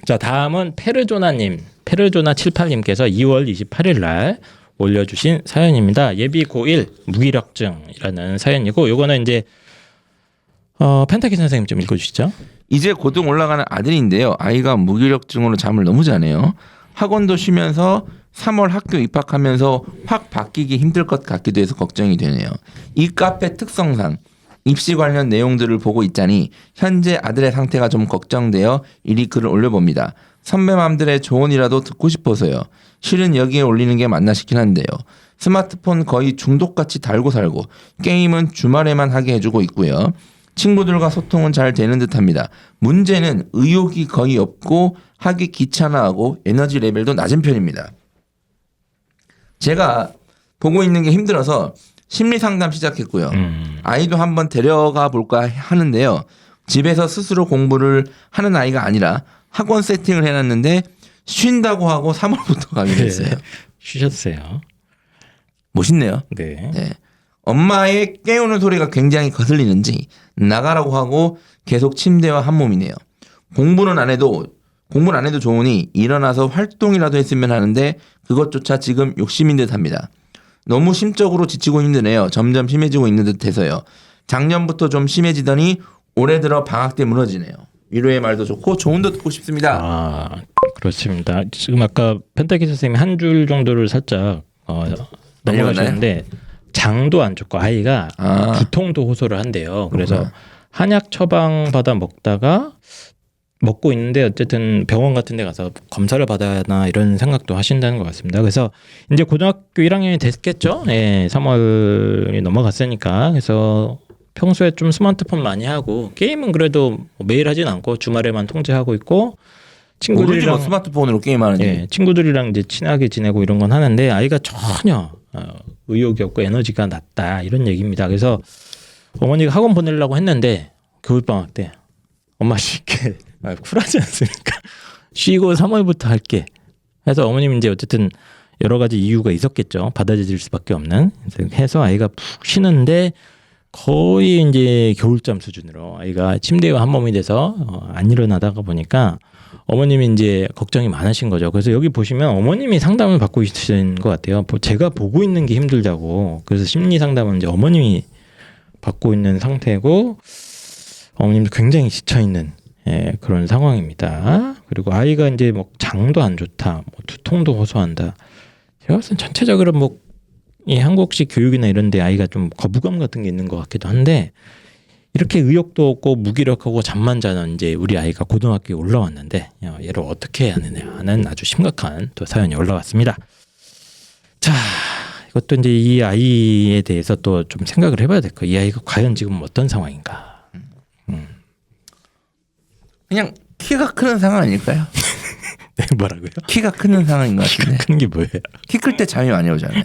자, 다음은 페르조나 78님께서 2월 28일 날 올려주신 사연입니다. 예비 고1 무기력증이라는 사연이고, 요거는 이제 펜타키 선생님 좀 읽어주시죠. 이제 고등 올라가는 아들인데요. 아이가 무기력증으로 잠을 너무 자네요. 학원도 쉬면서 3월 학교 입학하면서 확 바뀌기 힘들 것 같기도 해서 걱정이 되네요. 이 카페 특성상 입시 관련 내용들을 보고 있자니 현재 아들의 상태가 좀 걱정되어 이리 글을 올려봅니다. 선배맘들의 조언이라도 듣고 싶어서요. 실은 여기에 올리는 게 맞나 싶긴 한데요. 스마트폰 거의 중독같이 달고 살고 게임은 주말에만 하게 해주고 있고요. 친구들과 소통은 잘 되는 듯합니다. 문제는 의욕이 거의 없고 하기 귀찮아하고 에너지 레벨도 낮은 편입니다. 제가 보고 있는 게 힘들어서 심리 상담 시작했고요. 아이도 한번 데려가 볼까 하는데요. 집에서 스스로 공부를 하는 아이가 아니라 학원 세팅을 해놨는데 쉰다고 하고 3월부터 가기로 했어요. 쉬셨어요. 멋있네요. 네. 네. 엄마의 깨우는 소리가 굉장히 거슬리는지 나가라고 하고 계속 침대와 한 몸이네요. 공부는 안 해도 좋으니 일어나서 활동이라도 했으면 하는데 그것조차 지금 욕심인 듯합니다. 너무 심적으로 지치고 힘드네요. 점점 심해지고 있는 듯해서요. 작년부터 좀 심해지더니 올해 들어 방학 때 무너지네요. 위로의 말도 좋고 조언도 듣고 싶습니다. 아, 그렇습니다. 지금 아까 펜타키 선생님이 한 줄 정도를 살짝 넘어가셨는데 장도 안 좋고 아이가 두통도 호소를 한대요. 그래서 한약 처방 받아 먹고 있는데 어쨌든 병원 같은 데 가서 검사를 받아야 하나 이런 생각도 하신다는 것 같습니다. 그래서 이제 고등학교 1학년이 됐겠죠. 예, 3월이 넘어갔으니까. 그래서 평소에 좀 스마트폰 많이 하고 게임은 그래도 매일 하진 않고 주말에만 통제하고 있고 친구들이랑 뭐 스마트폰으로 게임하는지. 예, 친구들이랑 이제 친하게 지내고 이런 건 하는데 아이가 전혀 의욕이 없고 에너지가 낮다 이런 얘기입니다. 그래서 어머니가 학원 보내려고 했는데 겨울방학 때 엄마 쉴게 쿨하지 않습니까? 쉬고 3월부터 할게 해서 어머님 이제 어쨌든 여러 가지 이유가 있었겠죠. 받아들일 수밖에 없는. 해서 아이가 푹 쉬는데 거의 이제 겨울잠 수준으로 아이가 침대에 한 몸이 돼서 안 일어나다가 보니까 어머님이 이제 걱정이 많으신 거죠. 그래서 여기 보시면 어머님이 상담을 받고 있으신 것 같아요. 제가 보고 있는 게 힘들다고. 그래서 심리 상담은 이제 어머님이 받고 있는 상태고 어머님도 굉장히 지쳐 있는 그런 상황입니다. 그리고 아이가 이제 뭐 장도 안 좋다, 뭐 두통도 호소한다. 제가 봤을 땐 전체적으로 뭐 이 한국식 교육이나 이런데 아이가 좀 거부감 같은 게 있는 것 같기도 한데 이렇게 의욕도 없고 무기력하고 잠만 자는 이제 우리 아이가 고등학교에 올라왔는데 얘를 어떻게 해야 하느냐 하는 아주 심각한 또 사연이 올라왔습니다. 자, 이것도 이제 이 아이에 대해서 또 좀 생각을 해봐야 될 거예요. 이 아이가 과연 지금 어떤 상황인가. 그냥 키가 크는 상황 아닐까요? 네, 뭐라고요? 키가 크는 상황인 것 같은데. 큰 게 뭐예요? 키 클 때 잠이 많이 오잖아요.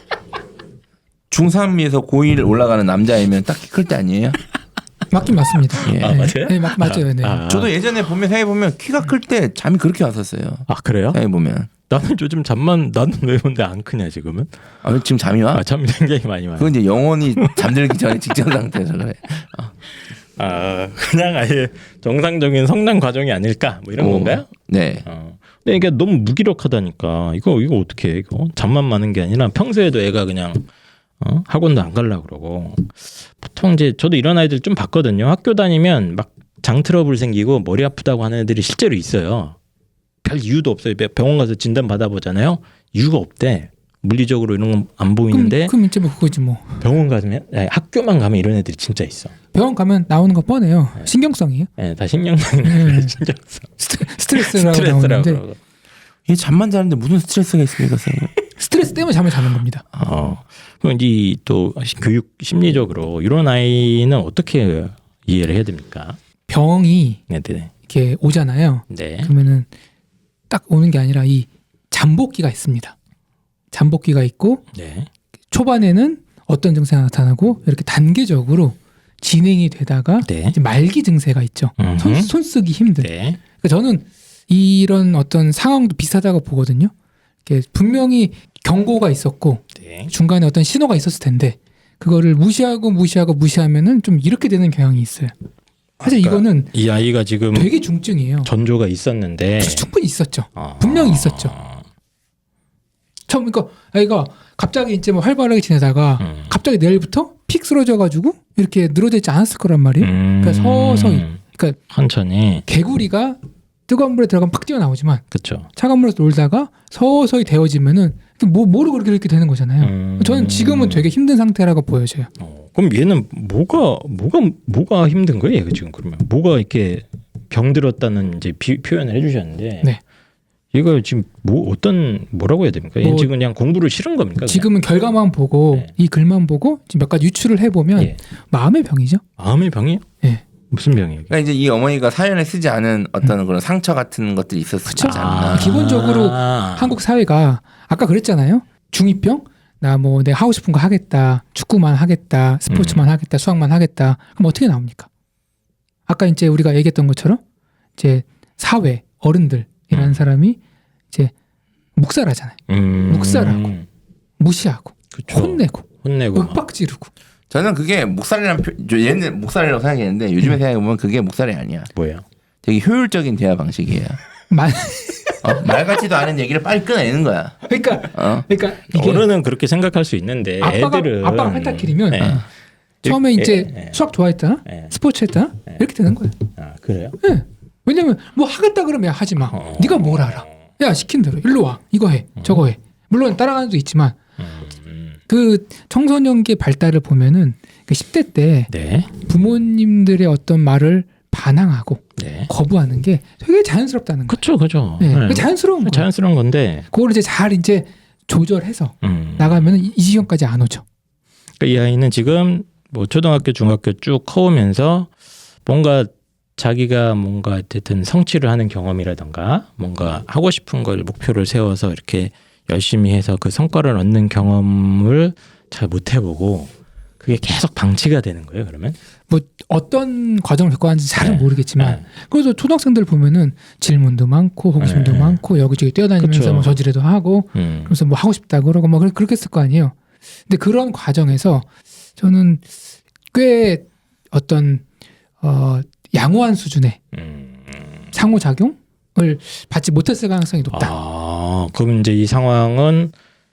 중3에서 고1 올라가는 남자이면 딱 키 클 때 아니에요? 맞긴 맞습니다. 예. 아, 맞아요? 네, 맞아요. 네. 저도 예전에 생각해보면 키가 클 때 잠이 그렇게 왔었어요. 아, 그래요? 생각해보면. 나는 요즘 잠만 나는 왜 근데 안 크냐 지금은? 아, 지금 잠이 와? 아, 잠이 굉장히 많이 와요. 그건 이제 영원히 잠들기 전에 직전 상태에서 그래. 아, 그냥 아예 정상적인 성장 과정이 아닐까 뭐 이런 건가요? 네. 근데 이게 너무 무기력하다니까 이거 어떻게 해 이거 잠만 많은 게 아니라 평소에도 애가 그냥 학원도 안 가려고 그러고 보통 이제 저도 이런 아이들 좀 봤거든요. 학교 다니면 막 장 트러블 생기고 머리 아프다고 하는 애들이 실제로 있어요. 별 이유도 없어요. 병원 가서 진단 받아보잖아요. 이유가 없대. 물리적으로 이런 건 안 보이는데 그럼 이제 뭐 그거지 뭐. 병원 가면 학교만 가면 이런 애들이 진짜 있어. 병원 가면 나오는 거 뻔해요. 신경성이에요. 네, 다 신경성이네. 신경성. 스트레스라고 나오는데 그러고. 이 잠만 자는데 무슨 스트레스가 있습니까, 선생님? 스트레스 때문에 잠을 자는 겁니다. 그럼 이제 또 교육 심리적으로 이런 아이는 어떻게 이해를 해야 됩니까? 병이 네. 이렇게 오잖아요. 네. 그러면은 딱 오는 게 아니라 이 잠복기가 있습니다. 잠복기가 있고 네. 초반에는 어떤 증세가 나타나고 이렇게 단계적으로 진행이 되다가 네. 이제 말기 증세가 있죠. 손 쓰기 힘든. 네. 그러니까 저는 이런 어떤 상황도 비슷하다고 보거든요. 이렇게 분명히 경고가 있었고 네. 중간에 어떤 신호가 있었을 텐데 그거를 무시하면은 좀 이렇게 되는 경향이 있어요. 사실 그러니까 이거는 이 아이가 지금 되게 중증이에요. 전조가 있었는데 충분히 있었죠. 아. 분명히 있었죠. 처음 그러니까 아이가 갑자기 이제 뭐 활발하게 지내다가 갑자기 내일부터 픽 쓰러져가지고 이렇게 늘어져 있지 않았을 거란 말이에요. 그러니까 서서히 그러니까 천천히 개구리가 뜨거운 물에 들어가면 팍 뛰어나오지만 그렇죠. 차가운 물에서 놀다가 서서히 데워지면은 모르고 이렇게 되는 거잖아요. 저는 지금은 되게 힘든 상태라고 보여져요. 그럼 얘는 뭐가 힘든 거예요? 얘가 지금 그러면 뭐가 이렇게 병들었다는 이제 표현을 해주셨는데 네. 얘가 지금 뭐라고 해야 됩니까? 얘는 지금 그냥 공부를 싫은 겁니까? 그냥? 지금은 결과만 보고 네. 이 글만 보고 지금 몇 가지 유추를 해보면 예. 마음의 병이죠. 마음의 병이요? 예. 무슨 병이에요? 그러니까 이제 이 어머니가 사연에 쓰지 않은 어떤 그런 상처 같은 것들이 있었지 않나. 기본적으로 한국 사회가 아까 그랬잖아요. 중2병 나 뭐 내가 하고 싶은 거 하겠다. 축구만 하겠다. 스포츠만 하겠다. 수학만 하겠다. 그럼 어떻게 나옵니까? 아까 이제 우리가 얘기했던 것처럼 이제 사회 어른들이라는 사람이 이제 묵살하잖아요. 묵살하고 무시하고 그쵸. 혼내고 혼내고 윽박지르고 저는 그게 목살이란 얘는 목살이라고 생각했는데 요즘에 생각해보면 그게 목살이 아니야. 뭐예요? 되게 효율적인 대화 방식이에요. 말 같지도 않은 얘기를 빨리 끊어내는 거야. 그러니까 이게 어른은 그렇게 생각할 수 있는데 애들은 아빠가 펜타킬이면 네. 처음에 이제 수학 좋아했다, 네. 스포츠 했다 이렇게 되는 거예요. 아 그래요? 네. 왜냐면 뭐 하겠다 그러면 야, 하지 마. 네가 뭘 알아? 야 시킨 대로 일로 와. 이거 해. 저거 해. 물론 따라가는 도 있지만 그 청소년기 발달을 보면은 그 10대 때 네. 부모님들의 어떤 말을 반항하고 네. 거부하는 게 되게 자연스럽다는 거예요. 그렇죠. 네. 그게 자연스러운 거예요. 자연스러운 건데 그걸 이제 잘 이제 조절해서 나가면 이 지경까지 안 오죠. 그러니까 이 아이는 지금 뭐 초등학교, 중학교 쭉 커오면서 뭔가 자기가 뭔가 어쨌든 성취를 하는 경험이라던가 뭔가 하고 싶은 걸 목표를 세워서 이렇게 열심히 해서 그 성과를 얻는 경험을 잘 못 해보고 그게 계속 방치가 되는 거예요. 그러면 뭐 어떤 과정을 겪어왔는지 잘은 네. 모르겠지만 네. 그래서 초등학생들 보면은 질문도 많고 호기심도 네. 많고 여기저기 뛰어다니면서 그쵸. 뭐 저지레도 하고 그래서 뭐 하고 싶다 그러고 뭐 그렇게 했을 거 아니에요. 근데 그런 과정에서 저는 꽤 어떤 양호한 수준의 상호작용을 받지 못했을 가능성이 높다. 그럼 이제 이 상황은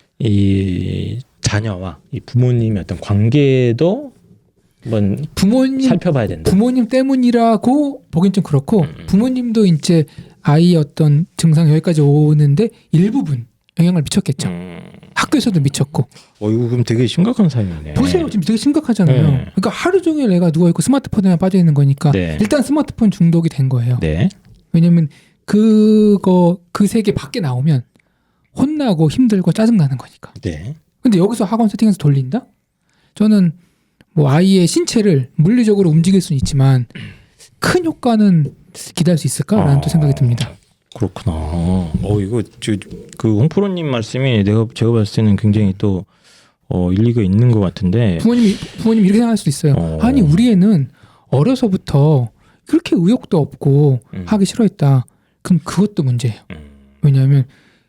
이 자녀와 이 부모님의 어떤 관계도 한번 살펴봐야 된다. 부모님 때문이라고 보긴 좀 그렇고 부모님도 이제 아이의 어떤 증상 여기까지 오는데 일부분 영향을 미쳤겠죠. 학교에서도 미쳤고. 이거 그럼 되게 심각한 사연이네. 보세요. 지금 되게 심각하잖아요. 네. 그러니까 하루 종일 애가 누워있고 스마트폰에만 빠져있는 거니까 네. 일단 스마트폰 중독이 된 거예요. 네. 왜냐면 그 세계 밖에 나오면 혼나고 힘들고 짜증나는 거니까. 네. 근데 여기서 학원 세팅해서 돌린다? 저는 뭐 아이의 신체를 물리적으로 움직일 수는 있지만 큰 효과는 기대할 수 있을까라는 또 생각이 듭니다. 그렇구나. 이거 그 홍프로님 말씀이 제가 봤을 때는 굉장히 또 일리가 있는 것 같은데. 부모님 이렇게 생각할 수도 있어요. 아니 우리 애는 어려서부터 그렇게 의욕도 없고 하기 싫어했다. 그럼 그것도 문제예요. 왜냐하면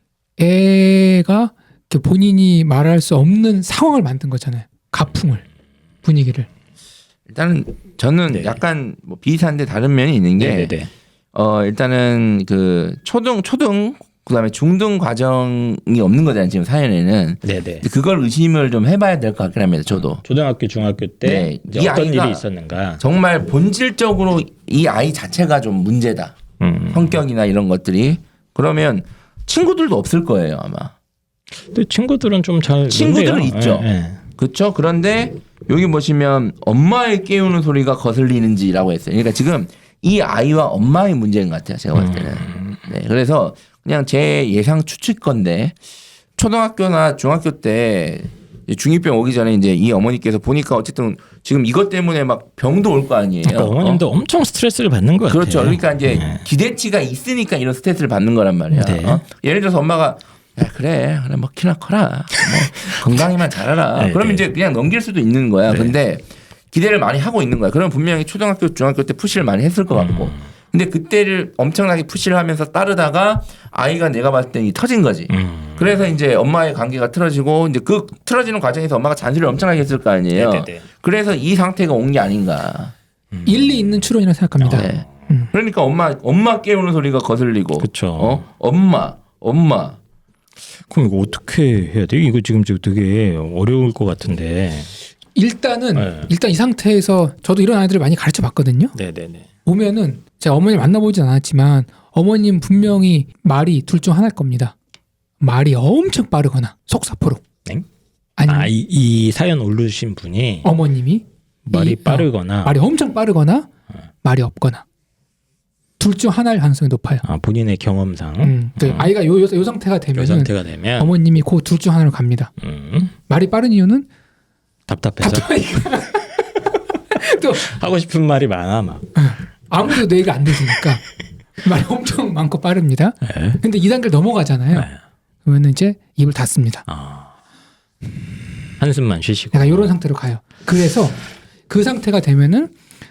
애가 본인이 말할 수 없는 상황을 만든 거잖아요. 가풍을, 분위기를. 일단은 저는 네. 약간 뭐 비슷한데 다른 면이 있는 게 네네네. 일단은 그 초등 그다음에 중등 과정이 없는 거잖아요. 지금 사연에는. 네네. 그걸 의심을 좀 해봐야 될 것 같긴 합니다. 저도. 초등학교, 중학교 때 네. 이제 이 어떤 아이가 일이 있었는가. 정말 본질적으로 이 아이 자체가 좀 문제다. 성격이나 이런 것들이. 그러면 친구들도 없을 거예요 아마. 근데 친구들은 좀 잘 친구들은 있죠. 네. 그렇죠. 그런데 여기 보시면 엄마의 깨우는 소리가 거슬리는지라고 했어요. 그러니까 지금 이 아이와 엄마의 문제인 것 같아요. 제가 봤을 때는. 네. 그래서 그냥 제 예상 추측건데 초등학교나 중학교 때 중2병 오기 전에 이제 이 어머니께서 보니까 어쨌든 지금 이것 때문에 막 병도 올 거 아니에요. 그러니까 어머님도 엄청 스트레스를 받는 것 같아요. 그렇죠. 그러니까 이제 기대치가 있으니까 이런 스트레스를 받는 거란 말이야. 네. 예를 들어서 엄마가 야, 그래 뭐 키나 커라 뭐 건강히만 잘하라. 네, 그러면 네. 이제 그냥 넘길 수도 있는 거야. 네. 근데 기대를 많이 하고 있는 거야. 그러면 분명히 초등학교, 중학교 때 푸시를 많이 했을 것 같고. 근데 그때를 엄청나게 푸시를 하면서 따르다가 아이가 내가 봤을 때 터진 거지. 그래서 이제 엄마의 관계가 틀어지고 이제 그 틀어지는 과정에서 엄마가 잔소리를 엄청나게 했을 거 아니에요. 네네네. 그래서 이 상태가 온 게 아닌가. 일리 있는 추론이라고 생각합니다. 네. 그러니까 엄마 깨우는 소리가 거슬리고. 그쵸. 엄마. 그럼 이거 어떻게 해야 돼? 이거 지금 되게 어려울 것 같은데. 일단은 네. 일단 이 상태에서 저도 이런 아이들을 많이 가르쳐 봤거든요. 네네네. 보면은 제가 어머니를 만나보진 않았지만 어머님 분명히 말이 둘 중 하나일 겁니다. 말이 엄청 빠르거나 속사포로. 엥? 아니면 이 사연 올르신 분이 어머님이 말이 빠르거나 말이 엄청 빠르거나 말이 없거나 둘 중 하나일 가능성이 높아요. 본인의 경험상 아이가 요 상태가 이 되면은 상태가 되면 어머님이 그 둘 중 하나로 갑니다. 말이 빠른 이유는 답답해서 또 하고 싶은 말이 많아 막. 아무도 내 얘기가 안 들으니까 말이 엄청 많고 빠릅니다. 네. 근데 2단계를 넘어가잖아요. 네. 그러면 이제 입을 닫습니다. 한숨만 쉬시고. 약간 이런 상태로 가요. 그래서 그 상태가 되면은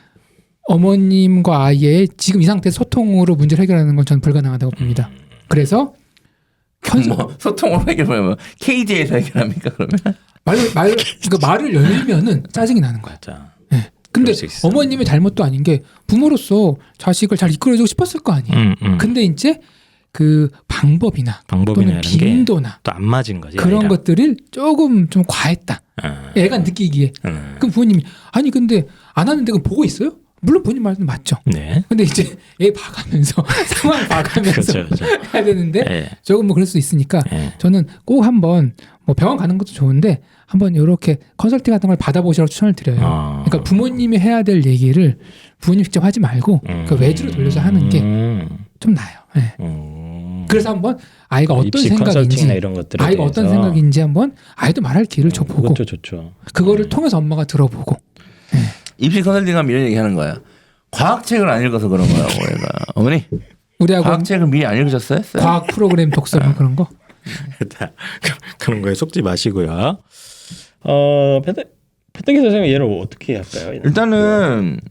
어머님과 아이의 지금 이 상태 소통으로 문제를 해결하는 건 저는 불가능하다고 봅니다. 그래서 뭐 소통으로 해결하면 KD에서 해결합니까 그러면? 그러니까 말을 열면은 짜증이 나는 거야. 자, 네. 근데 그럴 수 있어. 어머님의 잘못도 아닌 게 부모로서 자식을 잘 이끌어주고 싶었을 거 아니에요. 근데 이제 그 방법이나 또는 이런 게 빈도나 또 안 맞은 거지. 그런 아이랑. 것들을 조금 좀 과했다. 애가 느끼기에. 그럼 부모님이 아니 근데 안 하는데 그럼 보고 있어요? 물론 본인 말도 맞죠. 네. 근데 이제 애 봐가면서 상황 봐가면서 그렇죠. 해야 되는데 네. 조금 뭐 그럴 수 있으니까 네. 저는 꼭 한번 뭐 병원 가는 것도 좋은데 한번 이렇게 컨설팅 같은 걸 받아보시라고 추천을 드려요. 그러니까 부모님이 해야 될 얘기를 부모님 직접 하지 말고 그 외주로 돌려서 하는 게 좀 나아요. 네. 그래서 한번 아이가 어떤 입시 생각인지 컨설팅이나 이런 것들에 아이가 어떤 대해서. 생각인지 한번 아이도 말할 기회를 줘보고 그것도 좋죠. 그거를 통해서 엄마가 들어보고 입시 컨설팅하면 이런 얘기하는 거야. 과학책을 안 읽어서 그런 거라고 얘가. 어머니 우리 학원 과학책을 미리 안 읽으셨어요? 과학 프로그램 독서랑 그런 거. 그런 거에 속지 마시고요. 패트기 선생님 얘를 어떻게 할까요? 일단은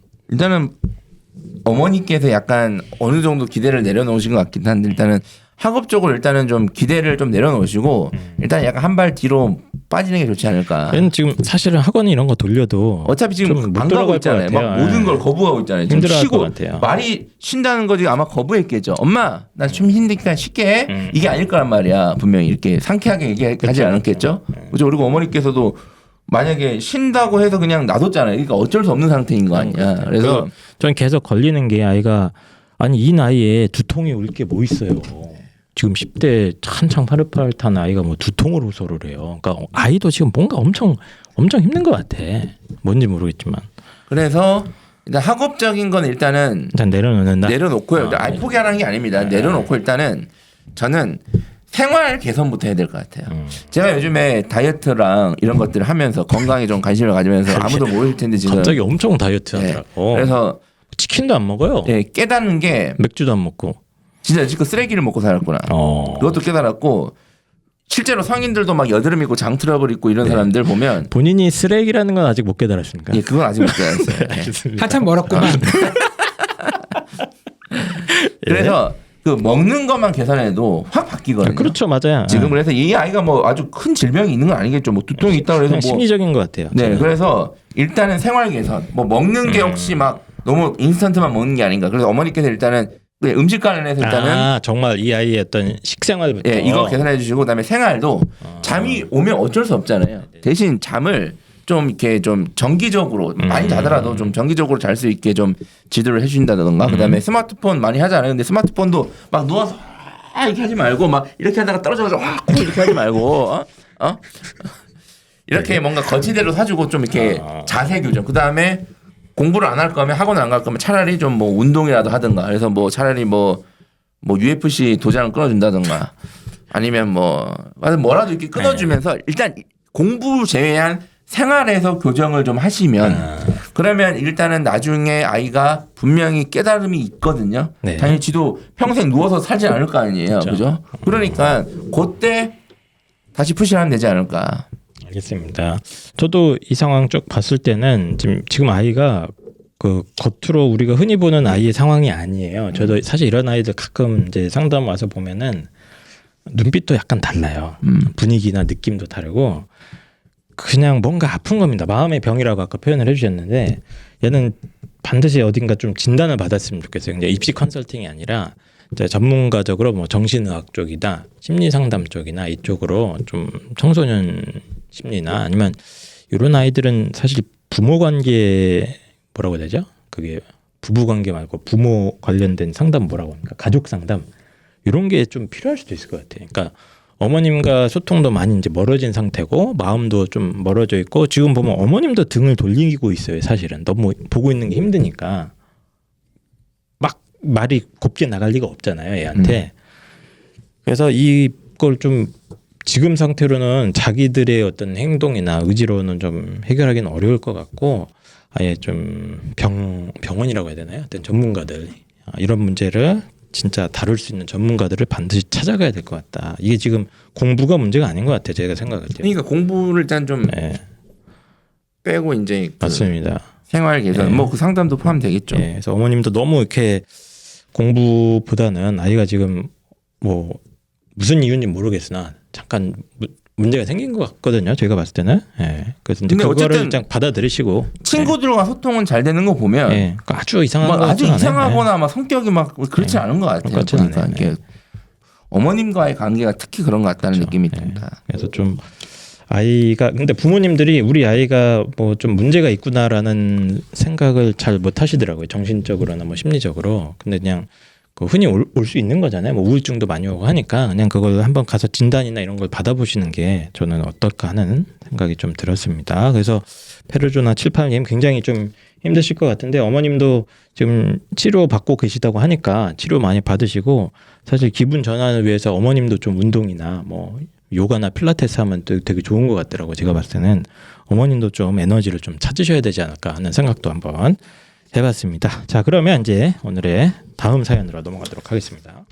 어머니께서 약간 어느 정도 기대를 내려놓으신 것 같긴 한데 일단은 학업적으로 일단은 좀 기대를 좀 내려놓으시고 일단 약간 한 발 뒤로 빠지는 게 좋지 않을까. 얘는 지금 사실은 학원 이런 거 돌려도 어차피 지금 좀못 안 가고 돌아갈 있잖아요. 것 막 같아요. 모든 예. 걸 거부하고 있잖아요. 지금 힘들어할 쉬고 것 같아요. 말이 쉰다는 거지 아마 거부했겠죠. 엄마 나 좀 힘드니까 쉽게 해. 이게 아닐 거란 말이야. 분명히 이렇게 상쾌하게 얘기하지 않았겠죠. 그죠? 그리고 어머니께서도 만약에 쉰다고 해서 그냥 놔뒀잖아요. 그러니까 어쩔 수 없는 상태인 거 아니야. 그래서 전 계속 걸리는 게 아이가 아니 이 나이에 두통이 올 게 뭐 있어요. 지금 10대 한창 파릇파릇한 아이가 뭐 두통으로 호소를 해요. 그러니까 아이도 지금 뭔가 엄청 힘든 것 같아. 뭔지 모르겠지만 그래서 일단 학업적인 건 일단은 일단 내려놓는다. 내려놓고요. 아예 포기하라는 게 아닙니다. 내려놓고 일단은 저는 생활 개선부터 해야 될 것 같아요. 제가 요즘에 다이어트랑 이런 것들을 하면서 건강에 좀 관심을 가지면서 아무도 모를 텐데 지금 갑자기 엄청 다이어트 네. 하더라고. 그래서 치킨도 안 먹어요. 예, 깨닫는 게 맥주도 안 먹고. 진짜 지금 쓰레기를 먹고 살았구나. 그것도 깨달았고 실제로 성인들도 막 여드름 있고 장 트러블 있고 이런 사람들 보면 본인이 쓰레기라는 건 아직 못 깨달았습니까? 예, 그건 아직 못 깨달았어요. 예. 알겠습니다. 한참 멀었구만. 그래서 그 먹는 것만 계산해도 확 바뀌거든요. 그렇죠, 맞아요. 지금 그래서 이 아이가 뭐 아주 큰 질병이 있는 건 아니겠죠. 뭐 두통이 있다 그래서 그냥 뭐 심리적인 것 같아요. 네, 저는. 그래서 일단은 생활 개선. 뭐 먹는 게 혹시 막 너무 인스턴트만 먹는 게 아닌가. 그래서 어머니께서 일단은 음식 관련해서 일단은 정말 이 아이의 어떤 식생활부터 예, 이거 계산해 주시고 그다음에 생활도 잠이 오면 어쩔 수 없잖아요. 대신 잠을 좀 이렇게 좀 정기적으로 많이 자더라도 좀 정기적으로 잘 수 있게 좀 지도를 해주신다던가 그다음에 스마트폰 많이 하잖아요. 근데 스마트폰도 막 누워서 이렇게 하지 말고 막 이렇게 하다가 떨어져가지고 이렇게 하지 말고 이렇게 뭔가 거치대로 사주고 좀 이렇게 자세 교정. 그다음에 공부를 안 할 거면 학원 안 갈 거면 차라리 좀 뭐 운동이라도 하든가. 그래서 뭐 차라리 뭐 UFC 도장을 끊어준다든가 아니면 뭐라도 이렇게 끊어주면서 일단 공부 제외한 생활에서 교정을 좀 하시면 그러면 일단은 나중에 아이가 분명히 깨달음이 있거든요. 네. 당연히 지도 평생 누워서 살지 않을 거 아니에요. 그렇죠. 그죠? 그러니까 그때 다시 푸시하면 되지 않을까. 알겠습니다. 저도 이 상황 쭉 봤을 때는 지금 아이가 그 겉으로 우리가 흔히 보는 아이의 상황이 아니에요. 저도 사실 이런 아이들 가끔 이제 상담 와서 보면은 눈빛도 약간 달라요. 분위기나 느낌도 다르고 그냥 뭔가 아픈 겁니다. 마음의 병이라고 아까 표현을 해주셨는데 얘는 반드시 어딘가 좀 진단을 받았으면 좋겠어요. 이제 입시 컨설팅이 아니라 이제 전문가적으로 뭐 정신의학 쪽이나 심리상담 쪽이나 이쪽으로 좀 청소년 심리나 아니면 이런 아이들은 사실 부모 관계 뭐라고 해야 되죠? 그게 부부 관계 말고 부모 관련된 상담 뭐라고 합니까? 가족 상담 이런 게 좀 필요할 수도 있을 것 같아요. 그러니까 어머님과 소통도 많이 이제 멀어진 상태고 마음도 좀 멀어져 있고 지금 보면 어머님도 등을 돌리고 있어요. 사실은 너무 보고 있는 게 힘드니까 막 말이 곱게 나갈 리가 없잖아요. 애한테. 그래서 이걸 좀 지금 상태로는 자기들의 어떤 행동이나 의지로는 좀 해결하기는 어려울 것 같고 아예 좀 병원이라고 해야 되나요? 어떤 전문가들 이런 문제를 진짜 다룰 수 있는 전문가들을 반드시 찾아가야 될 것 같다. 이게 지금 공부가 문제가 아닌 것 같아요. 제가 생각할 때. 그러니까 공부를 일단 좀 네, 빼고 이제 그 맞습니다. 생활 개선 네. 뭐 그 상담도 포함되겠죠. 예, 그래서 어머님도 너무 이렇게 공부보다는 아이가 지금 뭐 무슨 이유인지 모르겠으나 잠깐 문제가 생긴 것 같거든요. 제가 봤을 때는. 예. 그래서 이제 근데 그거를 어쨌든 일단 받아들이시고 친구들과 소통은 잘 되는 거 보면 예, 그 아주 이상한 뭐 거 아주 같진 않아요. 이상하거나 막 성격이 막 그렇지 네. 않은 것 같아요. 그렇진 보니까 않아요. 이렇게 어머님과의 관계가 특히 그런 것 같다는 그렇죠. 느낌이 네. 듭니다. 그래서 좀 아이가 근데 부모님들이 우리 아이가 뭐 좀 문제가 있구나라는 생각을 잘 못 하시더라고요. 정신적으로나 뭐 심리적으로. 근데 그냥 그 흔히 올 수 있는 거잖아요. 뭐 우울증도 많이 오고 하니까 그냥 그걸 한번 가서 진단이나 이런 걸 받아보시는 게 저는 어떨까 하는 생각이 좀 들었습니다. 그래서 페르조나 78님 굉장히 좀 힘드실 것 같은데 어머님도 지금 치료 받고 계시다고 하니까 치료 많이 받으시고 사실 기분 전환을 위해서 어머님도 좀 운동이나 뭐 요가나 필라테스 하면 또 되게 좋은 것 같더라고요. 제가 봤을 때는 어머님도 좀 에너지를 좀 찾으셔야 되지 않을까 하는 생각도 한번 해봤습니다. 자, 그러면 이제 오늘의 다음 사연으로 넘어가도록 하겠습니다.